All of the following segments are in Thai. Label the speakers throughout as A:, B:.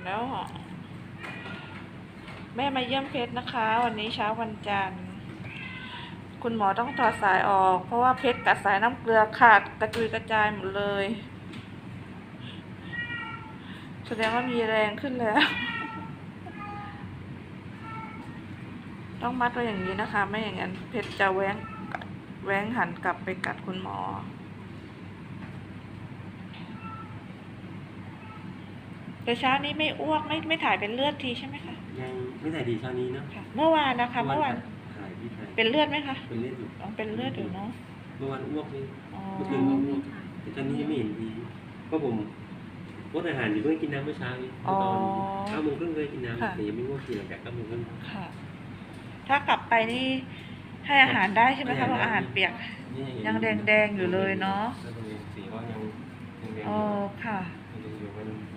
A: แล้วแม่มาเยี่ยมเพชรนะคะ วันนี้เช้าวันจันทร์คุณหมอต้องถอดสายออกเพราะว่าเพชรกัดสายน้ำเกลือขาดกระจุยกระจายหมดเลยแสดงว่ามีแรงขึ้นแล้ว ต้องมัดไว้อย่างนี้นะคะ ไม่อย่างนั้นเพชรจะแว้งหันกลับไปกัดคุณหมอแต่เช้านี้ไม่อ้วกไม่ถ่ายเป็นเลือดทีใช่ไหมคะ
B: ยังไม่ถ่ายดีเช้านี้เนาะ
A: เมื่อวานนะคะเมื่อวาน
B: ถ่ายพี่ถ่าย
A: เป็นเลือดไหมคะ
B: เป็นเลือดอยู่
A: เป็นเลือดอยู่เนาะ
B: เมื่อวานอ้วกนี่เมื่อคืนก็อ้วกแต่ตอนนี้ไม่เห็นดีเพราะผมงดอาหารอยู่เพิ่งกินน้ำเมื่อเช้านี้ตอน9:30เคยกินน้ำแต่ยังไม่ง่วงกินหลังจาก9:30
A: ค่ะถ้ากลับไปนี่ให้อาหารได้ใช่ไหมคะเพราะอาหารเปียกยังแดงอยู่เลยเนาะ
B: สีก็ยังแดง
A: ค่ะ
B: อยู่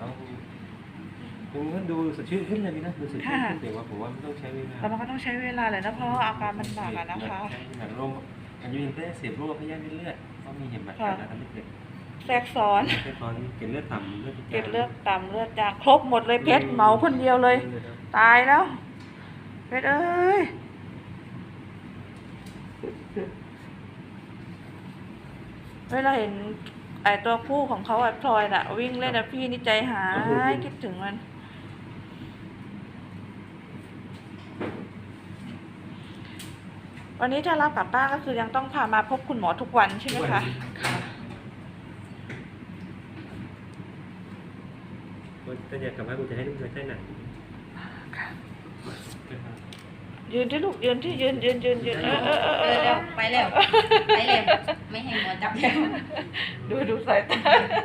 B: มันดูสดชื่นขึ้นเลยนะดูสดชื่นขึ้นแต่ว่าผมว่ามันต้องใช้เวลา
A: แต่มันก็ต้องใช้เวลาเลยนะเพราะอาการมันหนักนะคะ
B: โรคอายุยังแค่เสียบโรคพยาธิเลือดก็มีเห็นแบบการทำให้เกิด
A: แทรกซ้อน
B: เกล็ดเลือดต่ำเลือด
A: เลือดจางครบหมดเลยเพชรเหมาคนเดียวเลยตายแล้วเพชรเอ้ยเวลาเห็นไอตัวผู้ของเขาไอพลอยน่ะวิ่งเล่นนะพี่นี่ใจหายคิดถึงมันวันนี้ถ้ารับกลับบ้านก็คือยังต้องพามาพบคุณหมอทุกวันใช่ไหมคะ
B: ถ้าอยากกลับบ้านกูจะให้ลูกใช้หนัง
A: ยืนที่ลูกยืนที่ยืน
C: ไปแล้วไม่ให้หมอจับแล้ว
A: ดูสายตา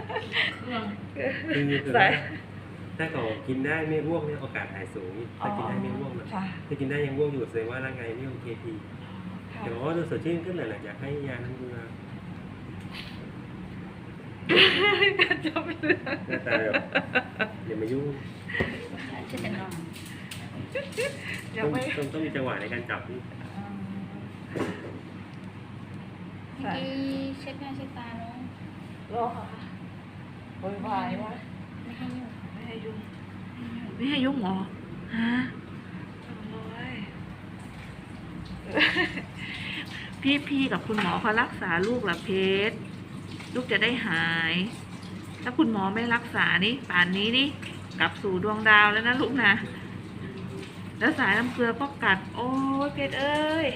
B: สายถ้าเขากินได้ไม่อ้วกเนี่ยโอกาสหายสูงถ้ากินได้ไม่อ้วกนะถ้ากินได้ยังอ้วกอยู่แสดงว่าร่างกายไม่โอเคทีแต่ว่าดูสดชื่นขึ้นเลยแหละอยากให้ยาน้ำเกลือ
A: จับเลือด
B: หน้าตาแบบอย่ามายุ่งต้องมีจังหวะในการจับนี่
C: เมื่อกี้เช็ดหน้าเช็ดตาแล้ว
A: รอค่ะโวยวายวะ
C: ไม่ให้ยุ่ง
A: หรอฮะพี่กับคุณหมอเขารักษาลูกเหรอเพชรลูกจะได้หายถ้าคุณหมอไม่รักษานี่ป่านนี้นี่กลับสู่ดวงดาวแล้วนะลูกนะแล้วสายน้ำเกลือก็กัดโอ้ยเพชรเอ้ย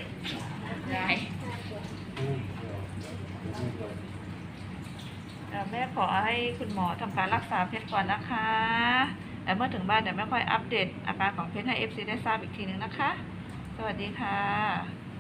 A: แม่ขอให้คุณหมอทำการรักษาเพชรก่อนนะคะแล้วเมื่อถึงบ้านเดี๋ยวแม่ค่อยอัปเดตอาการของเพชรให้ FC ได้ทราบอีกทีนึงนะคะสวัสดีค่ะ